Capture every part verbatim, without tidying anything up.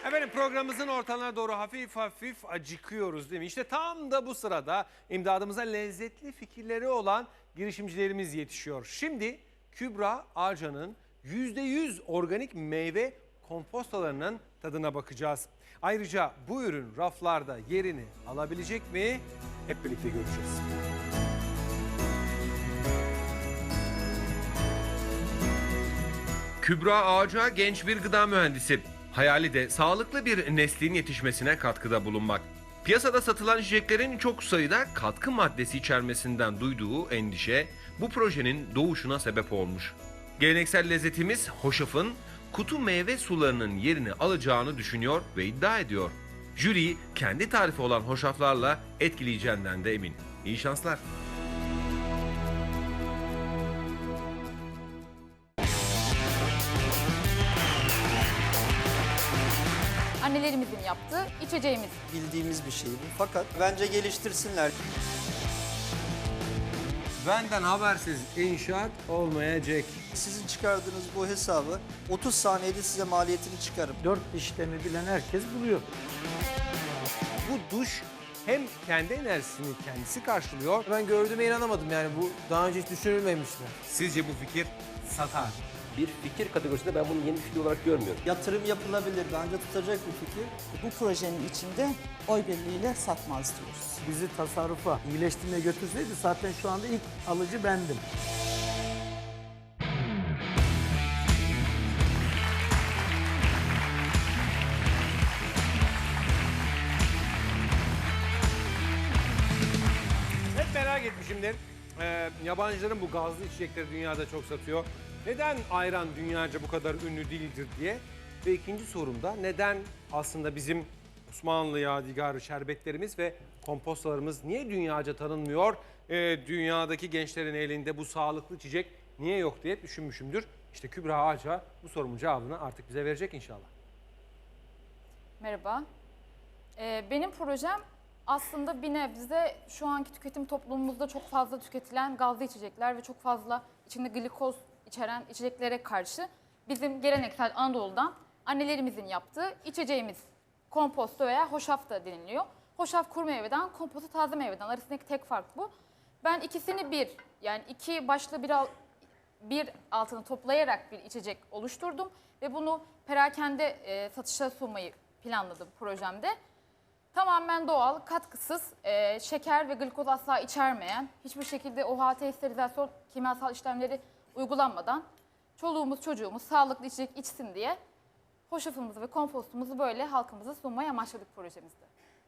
Efendim programımızın ortalarına doğru hafif hafif acıkıyoruz değil mi? İşte tam da bu sırada imdadımıza lezzetli fikirleri olan girişimcilerimiz yetişiyor. Şimdi Kübra Ağca'nın yüzde yüz organik meyve kompostalarının tadına bakacağız. Ayrıca bu ürün raflarda yerini alabilecek mi? Hep birlikte göreceğiz. Kübra Ağca genç bir gıda mühendisi. Hayali de sağlıklı bir neslin yetişmesine katkıda bulunmak. Piyasada satılan içeceklerin çok sayıda katkı maddesi içermesinden duyduğu endişe bu projenin doğuşuna sebep olmuş. Geleneksel lezzetimiz hoşafın kutu meyve sularının yerini alacağını düşünüyor ve iddia ediyor. Jüriyi kendi tarifi olan hoşaflarla etkileyeceğinden de emin. İyi şanslar. Annelerimizin yaptığı içeceğimiz. Bildiğimiz bir şey bu. Fakat bence geliştirsinler. Benden habersiz inşaat olmayacak. Sizin çıkardığınız bu hesabı otuz saniyede size maliyetini çıkarım. Dört işlemi bilen herkes buluyor. Bu duş hem kendi enerjisini kendisi karşılıyor. Ben gördüğüme inanamadım yani bu daha önce hiç düşünülmemişti. Sizce bu fikir satar? Bir fikir kategorisinde ben bunu yeni bir fikir olarak görmüyorum. Yatırım yapılabilir. Bence tutacak bir fikir. Bu projenin içinde oy birliğiyle satmaz diyoruz. Bizi tasarrufa, iyileştirmeye götürseydi zaten şu anda ilk alıcı bendim. Hep merak etmişimdir. Ee, yabancıların bu gazlı içecekleri dünyada çok satıyor. Neden ayran dünyaca bu kadar ünlü değildir diye. Ve ikinci sorumda neden aslında bizim Osmanlı yadigarı şerbetlerimiz ve kompostalarımız niye dünyaca tanınmıyor? Ee, dünyadaki gençlerin elinde bu sağlıklı içecek niye yok diye düşünmüşümdür. İşte Kübra Ağca bu sorumun cevabını artık bize verecek inşallah. Merhaba. Ee, benim projem aslında bir nebze şu anki tüketim toplumumuzda çok fazla tüketilen gazlı içecekler ve çok fazla içinde glikoz içeren içeceklere karşı bizim geleneksel Anadolu'dan annelerimizin yaptığı içeceğimiz komposto veya hoşaf da deniliyor. Hoşaf kuru meyveden, komposto taze meyveden arasındaki tek fark bu. Ben ikisini bir, yani iki başlı bir, al, bir altını toplayarak bir içecek oluşturdum ve bunu perakende e, satışa sunmayı planladım projemde. Tamamen doğal, katkısız, e, şeker ve glikoz asla içermeyen, hiçbir şekilde O H T sterilizasyon kimyasal işlemleri uygulanmadan çoluğumuz çocuğumuz sağlıklı içecek içsin diye hoşafımızı ve kompostumuzu böyle halkımıza sunmayı amaçladık projemizde.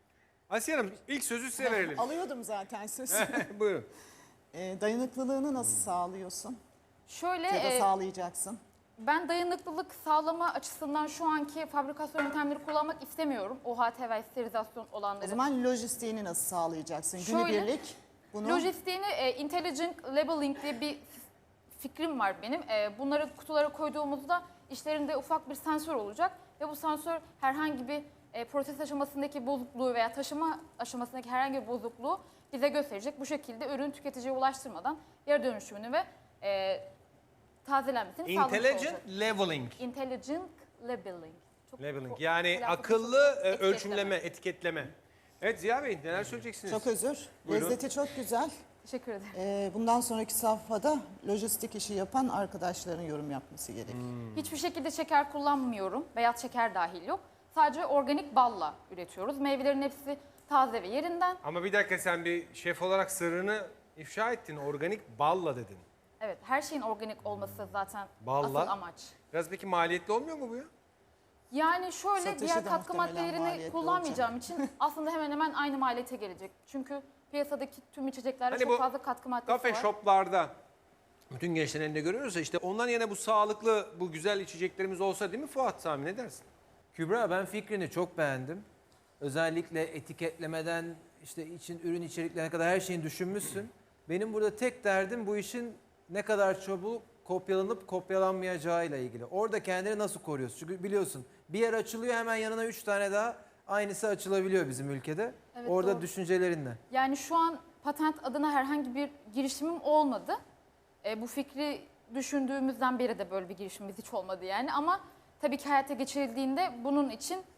Asiye Hanım ilk sözü size verelim. Alıyordum zaten söz. Buyurun. e, dayanıklılığını nasıl sağlıyorsun? Şöyle Ya da e, sağlayacaksın? ben dayanıklılık sağlama açısından şu anki fabrikasyon yöntemleri kullanmak istemiyorum. O H T ve sterilizasyon olanları. O zaman lojistiğini nasıl sağlayacaksın? Şöyle, Günübirlik bunu... Lojistiğini e, Intelligent Labeling diye bir fikrim var benim. E, bunları kutulara koyduğumuzda içlerinde ufak bir sensör olacak ve bu sensör herhangi bir e, proses aşamasındaki bozukluğu veya taşıma aşamasındaki herhangi bir bozukluğu bize gösterecek. Bu şekilde ürün tüketiciye ulaştırmadan yarı dönüşümünü ve e, tazelenmesini sağlamış olacak. Intelligent leveling. Intelligent Labeling. Çok Labeling ko- yani telaffuz akıllı çok- e, etiketleme. ölçümleme, etiketleme. Evet Ziya Bey neler söyleyeceksiniz? Çok özür. Buyurun. Lezzeti çok güzel. Teşekkür ederim. E, bundan sonraki safhada lojistik işi yapan arkadaşların yorum yapması gerekiyor. Hiçbir şekilde şeker kullanmıyorum. Beyaz şeker dahil yok. Sadece organik balla üretiyoruz. Meyvelerin hepsi taze ve yerinden. Ama bir dakika sen bir şef olarak sırrını ifşa ettin. Organik balla dedin. Evet, her şeyin organik olması zaten Balla. asıl amaç. Biraz peki maliyetli olmuyor mu bu ya? Yani şöyle Satışı diğer da katkı muhtemelen maddelerini maliyetli kullanmayacağım için aslında hemen hemen aynı maliyete gelecek. Çünkü piyasadaki tüm içeceklerde Hani bu çok fazla katkı maddesi Kafe var. shoplarda bütün gençlerin elinde görüyoruz ya işte ondan yine bu sağlıklı, bu güzel içeceklerimiz olsa değil mi Fuat Sami ne dersin? Kübra ben fikrini çok beğendim. Özellikle etiketlemeden işte için ürün içeriklerine kadar her şeyini düşünmüşsün. Benim burada tek derdim bu işin ne kadar çabuk kopyalanıp kopyalanmayacağıyla ilgili. Orada kendini nasıl koruyorsun? Çünkü biliyorsun bir yer açılıyor hemen yanına üç tane daha aynısı açılabiliyor bizim ülkede. Evet, Orada doğru. düşüncelerinle. Yani şu an patent adına herhangi bir girişimim olmadı. E, bu fikri düşündüğümüzden beri de böyle bir girişimimiz hiç olmadı yani. Ama tabii ki hayata geçirildiğinde bunun için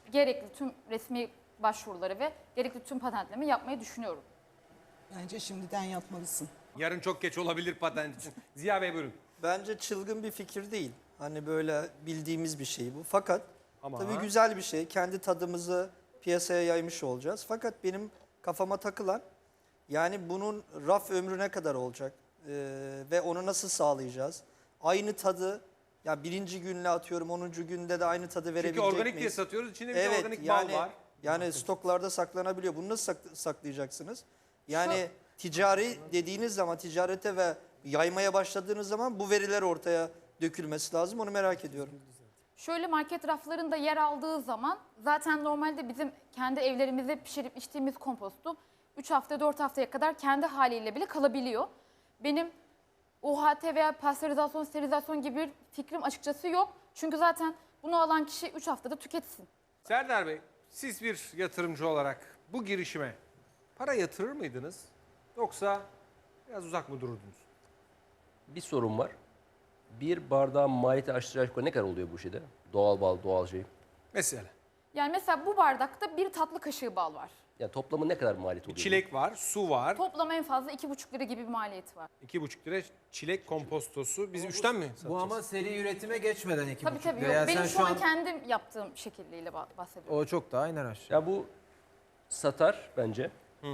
gerekli tüm resmi başvuruları ve gerekli tüm patentleme yapmayı düşünüyorum. Bence şimdiden yapmalısın. Yarın çok geç olabilir patent için. Ziya Bey buyurun. Bence çılgın bir fikir değil. Hani böyle bildiğimiz bir şey bu. Fakat Ama- tabii güzel bir şey. Kendi tadımızı piyasaya yaymış olacağız. Fakat benim kafama takılan yani bunun raf ömrü ne kadar olacak? Ee, ve onu nasıl sağlayacağız? Aynı tadı ya birinci günle atıyorum onuncu günde de aynı tadı verebilecek Çünkü organik diye miyiz? satıyoruz. İçinde bir de Evet organik yani, bal var. yani stoklarda saklanabiliyor. Bunu nasıl sak- saklayacaksınız? Yani ticari dediğiniz zaman ticarete ve yaymaya başladığınız zaman bu veriler ortaya dökülmesi lazım. Onu merak ediyorum. Şöyle market raflarında yer aldığı zaman zaten normalde bizim kendi evlerimizde pişirip içtiğimiz kompostu üç hafta dört haftaya kadar kendi haliyle bile kalabiliyor. Benim U H T veya pastörizasyon, sterilizasyon gibi bir fikrim açıkçası yok. Çünkü zaten bunu alan kişi üç haftada tüketsin. Serdar Bey, siz bir yatırımcı olarak bu girişime para yatırır mıydınız? Yoksa biraz uzak mı dururdunuz? Bir sorun var. Bir bardağın maliyeti aşağı yukarı ne kadar oluyor bu şeyde? Doğal bal, doğal şey. Mesela Yani mesela bu bardakta bir tatlı kaşığı bal var. Yani toplamı ne kadar maliyet oluyor? çilek var, su var. Toplam en fazla iki buçuk lira gibi bir maliyeti var. iki buçuk lira çilek kompostosu. Biz üçten mi satacağız? Bu ama seri üretime geçmeden iki Tabii buçuk tabii lira. yok. Yani Benim sen şu an kendim yaptığım şekilliyle bah- bahsediyorum. O çok daha iner aşağı. Ya bu satar bence.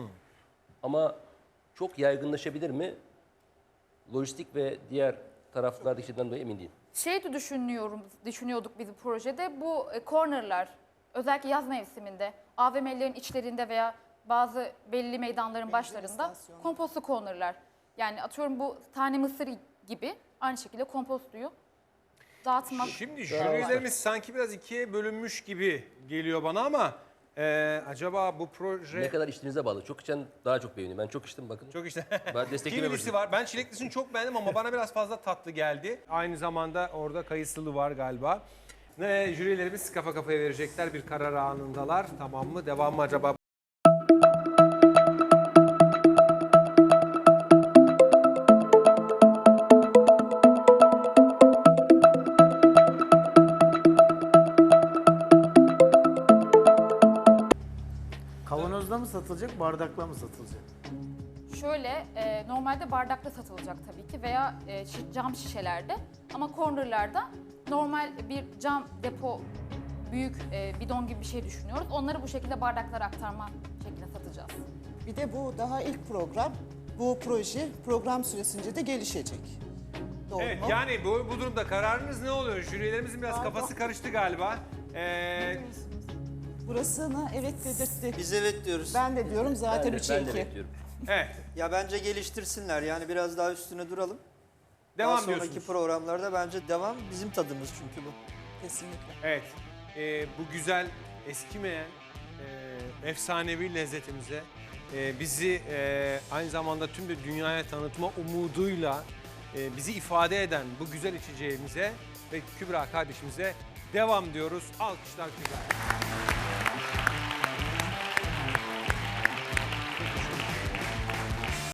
Ama çok yaygınlaşabilir mi? Lojistik ve diğer taraflardaki şeyden dolayı emin değilim. Şey de düşünüyorum, düşünüyorduk biz bu projede. Bu e, cornerlar özellikle yaz mevsiminde A V M'lerin içlerinde veya bazı belli meydanların başlarında istasyon. kompostlu cornerlar. Yani atıyorum bu tane mısır gibi aynı şekilde kompostuyu dağıtmak. Şimdi jürilerimiz sanki biraz ikiye bölünmüş gibi geliyor bana ama e, acaba bu proje... Ne kadar içtiğinize bağlı. Çok içen daha çok beğeniyor. Ben çok içtim bakın. Çok işte. Ben desteklemeye Kivlisi başladım. var. Ben çileklisini çok beğendim ama bana biraz fazla tatlı geldi. Aynı zamanda orada kayısılı var galiba. Ne jürilerimiz kafa kafaya verecekler. Bir karar anındalar. Tamam mı? Devam mı acaba? Kavanozda mı satılacak, bardakla mı satılacak? Şöyle e, normalde bardakta satılacak tabii ki veya e, şi- cam şişelerde ama cornerlarda normal bir cam depo büyük e, bidon gibi bir şey düşünüyoruz. Onları bu şekilde bardaklara aktarma şeklinde satacağız. Bir de bu daha ilk program. Bu proje program süresince de gelişecek. Doğru Evet mu? yani bu, bu durumda kararınız ne oluyor? Jürilerimizin biraz Pardon. kafası karıştı galiba. Ee, Burasına evet dedirttik. Biz evet diyoruz. Ben de diyorum Ben zaten de, üçe ben de iki. bekliyorum. evet. Ya bence geliştirsinler. Yani biraz daha üstüne duralım. Devam daha sonraki diyorsunuz. programlarda bence devam bizim tadımız çünkü bu. Kesinlikle. Evet. Ee, bu güzel, eskimeyen, e, efsanevi lezzetimize e, bizi e, aynı zamanda tüm de dünyaya tanıtma umuduyla e, bizi ifade eden bu güzel içeceğimize ve Kübra kardeşimize devam diyoruz. Alkışlar Kübra.